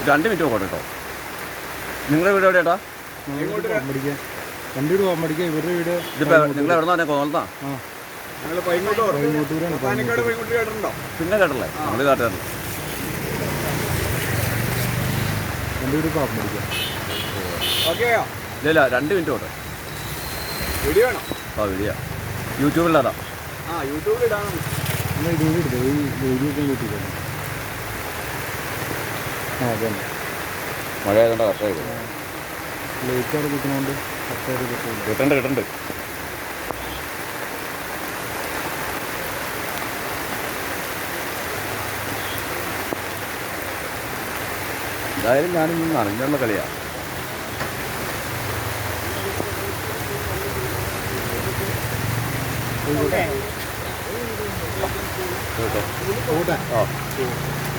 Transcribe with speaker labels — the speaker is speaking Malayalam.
Speaker 1: 2 മിനിറ്റ് പോകട്ടെ കേട്ടോ. നിങ്ങളുടെ വീട് എവിടെയാട്ടാ?
Speaker 2: എൻ്റെ വീട് പാമ്പടിക്കുക, ഇവരുടെ വീട്
Speaker 1: ഇതിപ്പോൾ നിങ്ങൾ എവിടെ നിന്നാണ്? കോന്നത്താ? പിന്നെ കേട്ടല്ലേ? നമ്മൾ കേട്ടാറില്ല.
Speaker 2: എൻ്റെ വീട് പാമ്പടിക്കുക.
Speaker 1: ഇല്ല 2 മിനിറ്റ് പോട്ടെ. ആ വീഡിയോ യൂട്യൂബിലാടാ. മഴ ആയതുകൊണ്ട് കർഷക
Speaker 2: ലേറ്റ് അവിടെ കിട്ടുന്നതുകൊണ്ട്
Speaker 1: കിട്ടണ്ട്. എന്തായാലും ഞാനിന്ന് നനഞ്ഞുള്ള കളിയാണ്. ആ